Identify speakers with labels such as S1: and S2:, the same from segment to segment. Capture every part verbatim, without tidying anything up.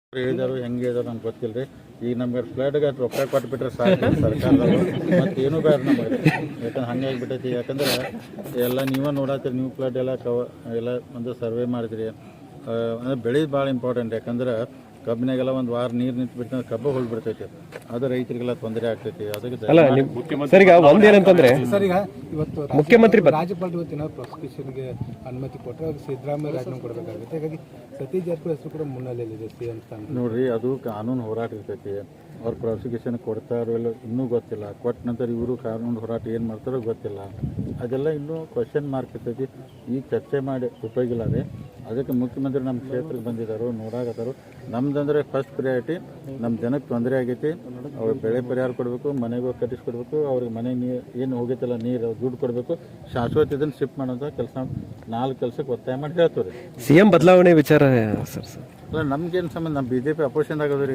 S1: ಹೇಳಿದಾರು ಹೆಂಗೆ ಹೇಳಿದಾರು ನಮ್ಗೆ ಗೊತ್ತಿಲ್ಲ ರೀ. ಈಗ ನಮ್ಗೆ ಫ್ಲಡ್ಗೆ ರೊಕ್ಕ ಕೊಟ್ಬಿಟ್ರೆ ಸಾಕು ಸರ್ಕಾರದವರು, ಮತ್ತು ಏನೂ ಬೇಡ ನಮಗೆ. ಯಾಕಂದ್ರೆ ಹಂಗೆ ಆಗಿಬಿಟ್ಟೈತಿ. ಯಾಕಂದ್ರೆ ಎಲ್ಲ ನೀವೇ ನೋಡತ್ತೀರಿ, ನೀವು ಫ್ಲಡ್ ಎಲ್ಲ ಕವ ಎಲ್ಲ ಒಂದು ಸರ್ವೆ ಮಾಡಿದ್ರಿ. ಅಂದರೆ ಬೆಳೆ ಭಾಳ ಇಂಪಾರ್ಟೆಂಟ್. ಯಾಕಂದ್ರೆ ಕಬ್ಬಿನಾಗೆಲ್ಲ ಒಂದು ವಾರ ನೀರು ನಿಂತು ಬಿಡ್ತಂದ್ರೆ ಕಬ್ಬು ಹೋಗಿಬಿಡ್ತೈತಿ. ಅದು ರೈತರಿಗೆಲ್ಲ ತೊಂದರೆ ಆಗ್ತೈತಿ. ಅದಕ್ಕೆ
S2: ಅಲ್ಲ ಸರ್, ಈಗ ಒಂದೇನಂತಂದ್ರೆ
S3: ಸರ್, ಈಗ ಇವತ್ತು
S2: ಮುಖ್ಯಮಂತ್ರಿ
S3: ರಾಜ್ಯಪಾಲರು ಇವತ್ತಿನ ಪ್ರಾಸಿಕ್ಯೂಷನ್ಗೆ ಅನುಮತಿ ಕೊಟ್ಟರೆ ಅದು ಸಿದ್ದರಾಮಯ್ಯ ರಾಜೀನಾಮೆ ಕೊಡಬೇಕಾಗುತ್ತೆ. ಹಾಗಾಗಿ ಸತೀಶ್ ಜಾರಕಿಹೊಳಿ ಹೆಸರು ಕೂಡ ಮುನ್ನೆಲೆಯಲ್ಲಿದೆ ಸಿಎಂ ಸ್ಥಾನ.
S1: ನೋಡ್ರಿ, ಅದು ಕಾನೂನು ಹೋರಾಟ ಇರ್ತೈತಿ. ಅವ್ರು ಪ್ರಾಸಿಕ್ಯೂಷನ್ ಕೊಡ್ತಾರೋ ಇಲ್ಲ ಇನ್ನೂ ಗೊತ್ತಿಲ್ಲ. ಕೊಟ್ಟ ನಂತರ ಇವರು ಕಾನೂನು ಹೋರಾಟ ಏನು ಮಾಡ್ತಾರೋ ಗೊತ್ತಿಲ್ಲ. ಅದೆಲ್ಲ ಇನ್ನೂ ಕ್ವಶನ್ ಮಾರ್ಕ್ ಇರ್ತೈತಿ. ಈಗ ಚರ್ಚೆ ಮಾಡಿ ಉಪಯೋಗಿಲ್ಲ ರೀ. ಅದಕ್ಕೆ ಮುಖ್ಯಮಂತ್ರಿ ನಮ್ಮ ಕ್ಷೇತ್ರಕ್ಕೆ ಬಂದಿದ್ದಾರೋ ನೋಡಾಕತ್ತಾರೋ. ನಮ್ದಂದ್ರೆ ಫಸ್ಟ್ ಪ್ರಿಯಾರಿಟಿ ನಮ್ಮ ಜನಕ್ಕೆ ತೊಂದರೆ ಆಗೈತಿ. ಅವ್ರಿಗೆ ಬೆಳೆ ಪರಿಹಾರ ಕೊಡಬೇಕು, ಮನೆಗೂ ಕಟ್ಟಿಸ್ಕೊಡ್ಬೇಕು, ಅವ್ರಿಗೆ ಮನೆ ನೀರು ಏನು ಹೋಗೈತಲ್ಲ ನೀರು ದುಡ್ಡು ಕೊಡಬೇಕು, ಶಾಶ್ವತ ಇದನ್ನು ಶಿಫ್ಟ್ ಮಾಡೋಂಥ ಕೆಲಸ ನಾಲ್ಕು ಕೆಲಸಕ್ಕೆ ಒತ್ತಾಯ ಮಾಡಿ ಹೇಳ್ತೀವಿ ರೀ.
S2: ಸಿ ಎಂ ಬದಲಾವಣೆ ವಿಚಾರ ಸರ್ ಸರ್
S1: ಅಲ್ಲ ನಮ್ಗೇನು ಸಂಬಂಧ, ನಮ್ಮ ಬಿ ಜೆ ಪಿ ಅಪೋಸಿಷನ್ ಆಗೋದ್ರಿ.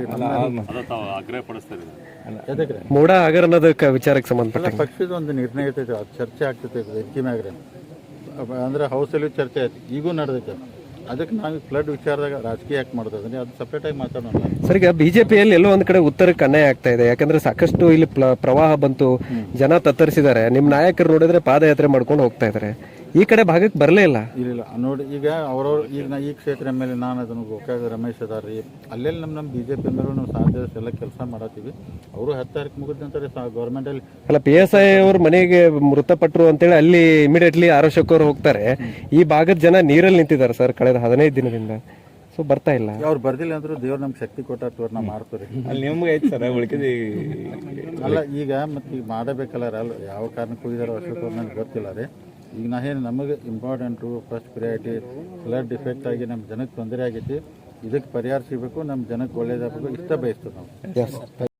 S1: ಎದಕ್ಕೆ
S2: ಮೋಡ ಆಗರ್ ಅನ್ನೋದಕ್ಕೆ ವಿಚಾರಕ್ಕೆ ಸಂಬಂಧಪಟ್ಟ
S1: ಅಲ್ಲ, ಪಕ್ಷದ ಒಂದು ನಿರ್ಣಯ ಇರ್ತೈತೆ, ಅದು ಚರ್ಚೆ ಆಗ್ತೈತೆ ವೆಂಕಿ ಮ್ಯಾಗ್ರೆ. ಅಂದ್ರೆ ಹೌಸಲ್ಲಿ ಚರ್ಚೆ ಆಯ್ತು, ಈಗೂ ನಡೆದೈತೆ. ಅದಕ್ಕೆ ನಾವು ಫ್ಲಡ್ ವಿಚಾರದಾಗ ರಾಜಕೀಯ ಯಾಕೆ ಮಾಡ್ತದೆ, ಅದು ಸಪ್ರೇಟಾಗಿ ಮಾತಾಡೋಣ.
S2: ಸರ್, ಈಗ ಬಿಜೆಪಿಯಲ್ಲಿ ಎಲ್ಲೋ ಒಂದ್ ಕಡೆ ಉತ್ತರಕ್ಕೆ ಅನ್ಯಾಯ ಆಗ್ತಾ ಇದೆ. ಯಾಕಂದ್ರೆ ಸಾಕಷ್ಟು ಇಲ್ಲಿ ಪ್ರವಾಹ ಬಂತು, ಜನ ತತ್ತರಿಸಿದ್ದಾರೆ. ನಿಮ್ಮ ನಾಯಕರು ನೋಡಿದ್ರೆ ಪಾದಯಾತ್ರೆ ಮಾಡ್ಕೊಂಡು ಹೋಗ್ತಾ ಇದ್ದಾರೆ. ಈ ಕಡೆ ಭಾಗಕ್ಕೆ ಬರಲೇ ಇಲ್ಲ.
S1: ಇಲ್ಲ ನೋಡಿ, ಈಗ ಅವ್ರವ್ರು ಈಗ ನಾ ಈ ಕ್ಷೇತ್ರ ಎಮ್ ಎಲ್ ಎ ನಾನು ಅದನ್ನು ಗೋಕಾಗ ರಮೇಶ್ ಅದಾರ ರೀ. ಅಲ್ಲೆಲ್ಲಿ ನಮ್ಮ ನಮ್ಮ ಬಿ ಜೆ ಪಿ ಮೇಲೆ ನಾವು ಸಾಧ್ಯ ಎಲ್ಲ ಕೆಲಸ ಮಾಡತ್ತೀವಿ. ಅವರು ಹತ್ತು ತಾರೀಕು ಮುಗಿದ ನಂತರ ಗೌರ್ಮೆಂಟಲ್ಲಿ
S2: ಅಲ್ಲ, ಪಿ ಎಸ್ ಐ ಅವ್ರ ಮನೆಗೆ ಮೃತಪಟ್ಟರು ಅಂತೇಳಿ ಅಲ್ಲಿ ಇಮಿಡಿಯೇಟ್ಲಿ ಆರೋಗ್ಯಕರು ಹೋಗ್ತಾರೆ. ಈ ಭಾಗದ ಜನ ನೀರಲ್ಲಿ ನಿಂತಿದ್ದಾರೆ ಸರ್ ಕಳೆದ ಹದಿನೈದು ದಿನದಿಂದ. ಸೊ ಬರ್ತಾ ಇಲ್ಲ.
S1: ಅವ್ರು ಬರ್ದಿಲ್ಲ ಅಂದ್ರೂ ದೇವ್ರು ನಮ್ಗೆ ಶಕ್ತಿ ಕೊಟ್ಟಾರ, ನಾವು ಮಾಡ್ತೀವಿ.
S4: ಅಲ್ಲಿ ನಿಮ್ಗೆ ಐತೆ ಸರ್ ಉಳ್ಕಿದ.
S1: ಅಲ್ಲ ಈಗ ಮತ್ತೆ ಈಗ ಮಾಡಬೇಕಲ್ಲ ಅಲ್ಲ, ಯಾವ ಕಾರಣಕ್ಕೆ ಹೋಗಿದಾರೋ ಅಷ್ಟೊತ್ತು ನನಗೆ ಗೊತ್ತಿಲ್ಲ ರೀ. ಈಗ ನಾ ಏನು ನಮಗೆ important first priority flood defect ಆಗಿ ನಮ್ಮ ಜನಕ್ಕೆ ತೊಂದರೆ ಆಗೈತಿ. ಇದಕ್ಕೆ ಪರಿಹಾರ ಸಿಗಬೇಕು, ನಮ್ಮ ಜನಕ್ಕೆ ಒಳ್ಳೇದಾಗಬೇಕು, ಇಷ್ಟ ಬಯಸ್ತೀವಿ ನಾವು.